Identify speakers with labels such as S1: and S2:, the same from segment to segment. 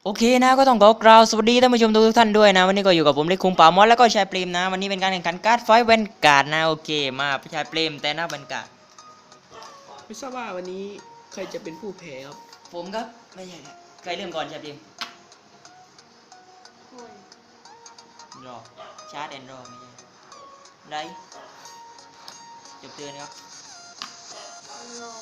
S1: โอเคนะก็ต้องขอกล่าวสวัสดีท่านผู้ชมทุกท่านด้วยนะวันนี้ก็อยู่กับผมเล็กคุงป่ามอสแล้วก็ชายเปรมนะวันนี้เป็นการแข่งขันการ์ดไฟท์แวนการ์ดนะโอเคมาชายเปรมแต่หน้าแวนการ์ด
S2: ไม่ทราบว่าวันนี้ใครจะเป็นผู้แพ้ครับ
S1: ผมครับไม่ใช่ครับใครเริ่มก่อนชายเปรม
S3: คน
S1: รอชาร์จแอนด์รอไม่ใช่ได้จบเตือนครับ
S3: รอ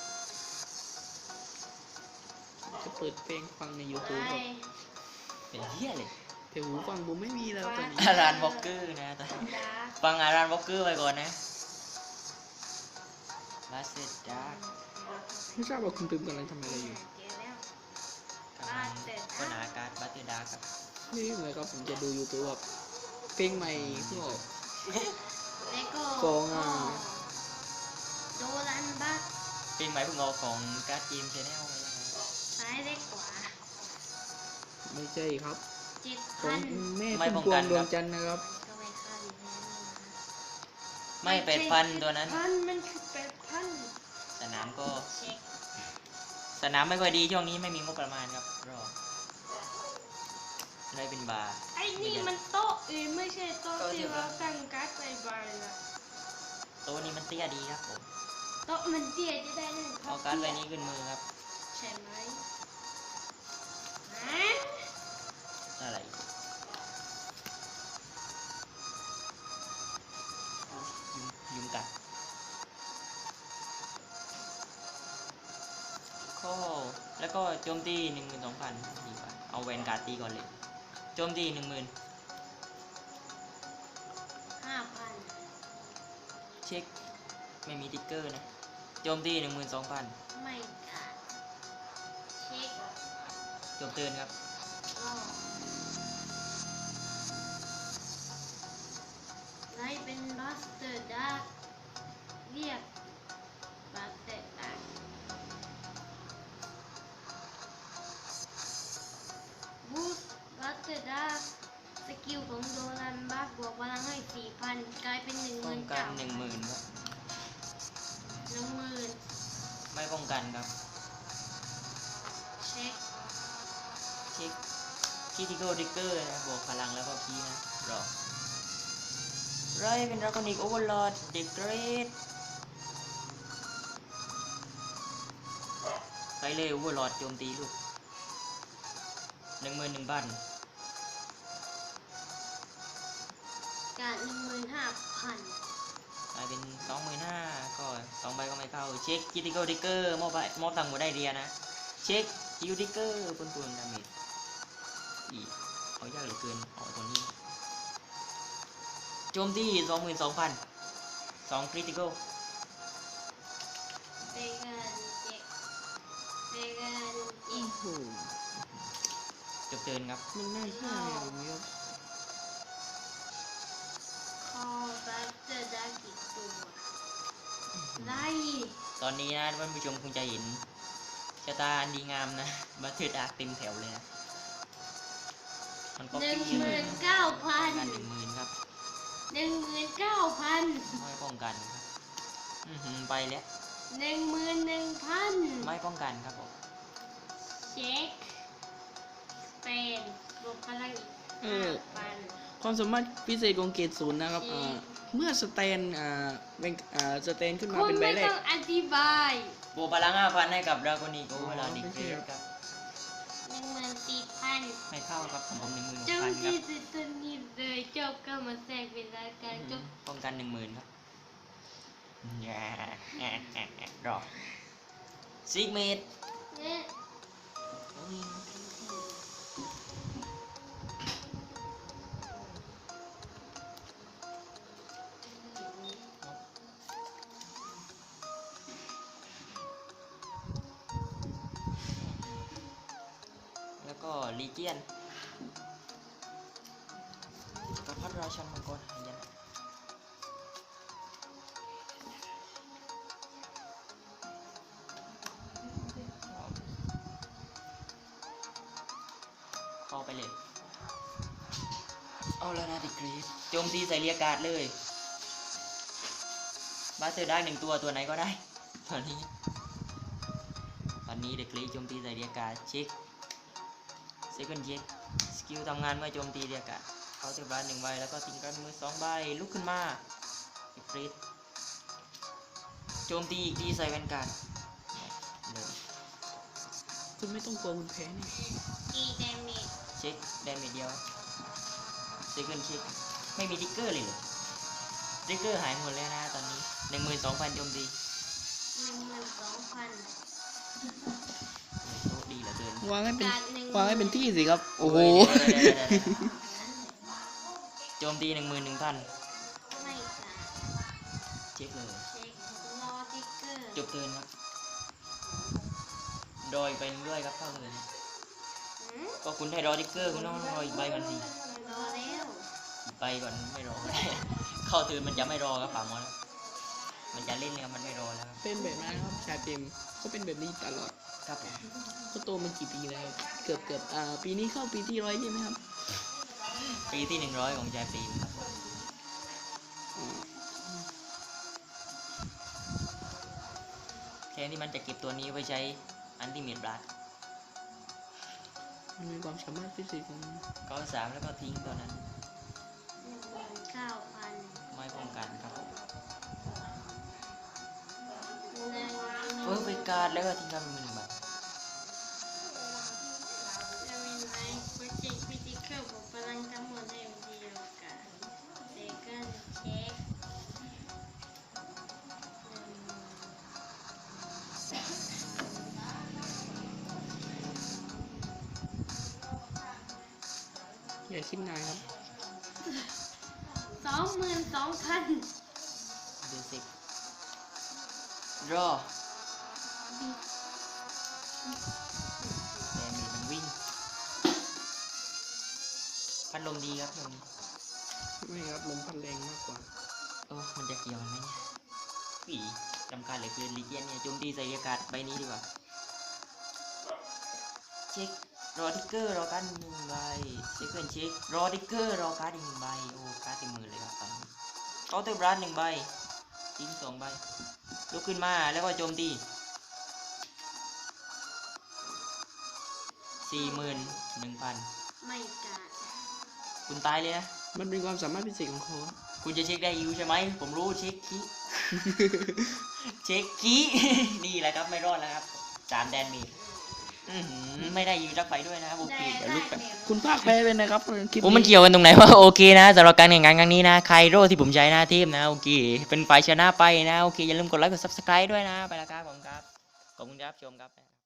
S2: จะเปิดเพลงฟังใน
S3: ไป
S2: YouTube ครับ
S1: เป็นเหี้ยเลย
S2: แต่หูฟังผมไม่มีแล้วตอนนี้
S1: อารานวอลเกอร์นะตอนนี้
S3: ดาร์
S1: ฟังอารานวอลเกอร์ไปก่อนนะลาสเซดาร์
S2: ไม่ทราบว่าคุณปิมกำลังทำอะไรอยู่
S3: เจอแล้ว
S1: กำลังค้นหาการ์ดบัตเตอร์ดาร์ครับ
S2: นี่เหมือนครับผมจะดู YouTube ครับเพลงใหม่ก็
S3: แล้วก็
S2: กองอ่ะ
S3: โดรันบัก
S1: เพลงใหม่เพิ่งออกของการ์ดเกมชแนลไปแล้วนะ
S3: ซ้ายเล็กขวา
S2: ไม่ใช่ครับ
S3: 7,000
S2: ของแม่
S1: ไม่
S2: พุ่ม
S1: ป้อง
S2: พว
S1: กั
S2: ง
S1: น
S2: ดว
S1: ครั
S2: ง
S1: บ
S2: จันทร์นะครับ
S3: ก็ไม่ค่าดีแน่นอน
S1: ไม่เป็ดฟันตัวนั้น
S3: พันมันคือเป็ดพัน
S1: สนามก็
S3: เช็ค
S1: สนามไม่ค่อยดีช่วงนี้ไม่มีงบประมาณครับรอได้เป็นบาร์
S3: ไอ้นี่มันโต๊ะไม่ใช่โต๊ะที่เราตั้งการ์ดใบๆนะ
S1: ตัวนี้มันเตี้ยดีครับผม
S3: โต๊ะมันเตี้ยจะได้เล่น
S1: เอาการ์ดใบนี้ขึ้นมือครับ
S3: ใช่ไหมฮะ
S1: อะไรยุงกัดข้อแล้วก็โจมตี12,000ดีกว่าเอาแวนการ์ดตีก่อนเลยโจมตี10,000
S3: 5,000
S1: เช็คไม่มีติ๊กเกอร์นะโจมตี12,000
S3: ไม่กัดเช็ค
S1: จบเตือนครับ
S3: รอไลท์เป็นบัสเตอร์ดาร์กเรียกบัสเตอร์ดาร์กบูสต์บัสเตอร์ดาร์กสกิลของโดรันบักบวกพลังให้ 4,000 กลายเป็น
S1: ป้องกัน
S3: 19,000
S1: 10,000ครับ
S3: 10,000
S1: ไม่ป้องกันครับ
S3: เช็ค
S1: เช็คคีติโกดิกเกอร์นะบวกพลังแล้วก็คีย์นะรอไรเป็นดราก้อนิกโอเวอร์ลอดเด็กเกรดไปเลยโอเวอร์ลอดโจมตีลูก11,000ก
S3: การ 15,000
S1: ลายเป็น25,000ก็2ใบก็ไม่เข้าเช็คคีติโกดิกเกอร์มอบตังค์หมดได้เรียนะเช็คคิวดิกเกอร์ปนดาเมจอีเอายากเหลือเกินเอาตัวนี้โจมตี22,000 2คริติคอล
S3: เตกันเจ็กเตกันอีก
S2: โอ้โห
S1: จบเทิร์นครับ
S2: มันน่าเชื่อเลยผมครับ
S3: คอบัสเตอร์ดาร์กอีกตัวไล่
S1: ตอนนี้นะท่านผู้ชมคงจะเห็นชะตาอันดีงามนะบัตเทิลดาร์กเต็มแถวเลยนะมันก็ปี้เลย
S3: 19,000
S1: กัน10,000ครับ
S3: 19,000
S1: ไม่ป้องกันครับไปแล้ว
S3: 11,000
S1: ไม่ป้องกันครับผม
S3: เช็คเป็นบวกพลังอีก 5,000
S2: ความสามารถพิเศษของเกรดศูนย์นะครับเมื่อสแตนเป็นสแตนขึ้นมา
S3: คุณ
S2: เป็นใบ
S3: ไม่
S2: แร
S3: ต้
S2: ก
S3: องอธิบาย
S1: บวกพลัง 5,000ให้กับดราโกนิโกเวลาดิเกรดครับ
S3: 14,000
S1: ไม่เข้าครับของผม16,000
S3: เจ้า
S1: ครั
S3: ที่
S1: บ
S3: สุดตอนนี้เลยเจ้าก็มาแทรกเวลาการจบ
S1: ป้องกัน10,000ครับรอซิกเมด
S3: เนี่ย
S1: แล้วก็ลีเจียนกับพัดราชันมังกรหายนะเข้าไปเลย เอาแล้วนะดิกรีดโจมตีใส่เรียกการ์ดเลยบาสเตอร์ได้1ตัวไหนก็ได้ ตอนนี้เด็กรีโจมตีใส่เรียกการ์ดเช็ค second check สกิลทำงานเมื่อโจมตีเรียกอะเขาเทบรัส1 ใบแล้วก็ทิ้งการมือ2 ใบลุกขึ้นมาอีฟริตโจมตีอีกทีใส่แวนการ์ดเลย
S2: คุณไม่ต้องกลัวคุณแพ้นี่
S3: ตีเดเมจ
S1: เช็คแดมเมจเดียว second check ไม่มีทิกเกอร์เลยเหรอทิกเกอร์หายหมดแล้วนะตอนนี้ 12,000 โจมตี
S3: 12,000
S1: โชคดีเหลือเกิน
S2: วางให้เป็น
S3: การหนึ่ง
S2: วางให้เป็นที่สิครับ โอ้โห
S1: โจมตี 11,000
S3: ไม่การ
S1: เช็คเลย
S3: เช็ครอติ๊กเกอร์
S1: จบเทิร์นครับรออีกใบหนึงด้วยครับเข้าเทิร์น
S3: หืม
S1: ก็คุณให้รอทิกเกอร์คุณต้องรออีกใบก่อนสิ
S3: รอแล้ว
S1: อีกใบก่อนไม่รอก็ได้ เข้าเทิร์นมันจะไม่รอครับป่ามอสมันจะเล่นเลยครับมันไม่รอแล้วครับ
S2: เป็นแบบนั้นครับชาเต็มเขาเป็นแบบนี้ตลอด
S1: ครับผม
S2: เขาโตมากี่ปีแล้วครับเกือบปีนี้เข้าปีที่100ใช่ไหมครับ
S1: ปีที่ 100 ของแจปีนครับผมแทนที่มันจะเก็บตัวนี้ไว้ใช้อันติเมตบลัด
S2: มันมีความสามารถพิเศษของมัน
S1: ก็3แล้วก็ทิ้งตัวนั้น
S3: 19,000
S1: ไม่ป้องกันครับผม
S3: หนึ่ง
S1: เพิ่มไปการ์ดแล้วก็ทิ้งการ์ดเป็นมือ1 ใบ
S3: จะมีไหมโปรเจกต์พิธีเคิลบอกพลังทั้งหมดได้เดียวกันเซคันเช็ค
S2: อย่าคิดนานครับ
S3: 22,000
S1: เดซิกรอแต่มีมันวิ่ง พัดลมดีครับตรงนี้
S2: ไม่ครับลมพัดแรงมากกว่า
S1: มันจะเกี่ยวกันไหมเนี่ยผีจำการเหลือเกินลีเจียนเนี่ยโจมตีใส่อากาศใบนี้ดีกว่า เช็ครอทิกเกอร์รอการ์ด1 ใบเซคันด์เช็ครอทิกเกอร์รอการ์ดอีก1 ใบโอ้การ์ดเต็มมือเลยครับตอนนี้เคาน์เตอร์บลัส1 ใบทิ้ง2 ใบลุกขึ้นมาแล้วก็โจมตี 41,000
S3: ไม่การ
S1: คุณตายเลยนะ
S2: มันเป็นความสามารถพิเศษของเขาครับ
S1: คุณจะเช็คได้ยูใช่ไหม ผมรู้เช็คคี เช็คคี นี่แหละครับไม่รอดแล้วครับ3 แดนมีไม่ได้ยูรักไปด้วยนะครับโอเคเดี๋ยวลุกไป
S2: คุณภาคแพ้ไปนะครับคลิป
S1: ผมมันเกี่ยวกันตรงไหนวะ โอเคนะสำหรับการแข่งขันครั้งนี้นะไคโร่ที่ผมใช้หน้าเทพนะโอเคเป็นฝ่ายชนะไปนะโอเคอย่าลืมกดไลค์กด subscribe ด้วยนะไปแล้วครับผมครับขอบคุณครับชมครับ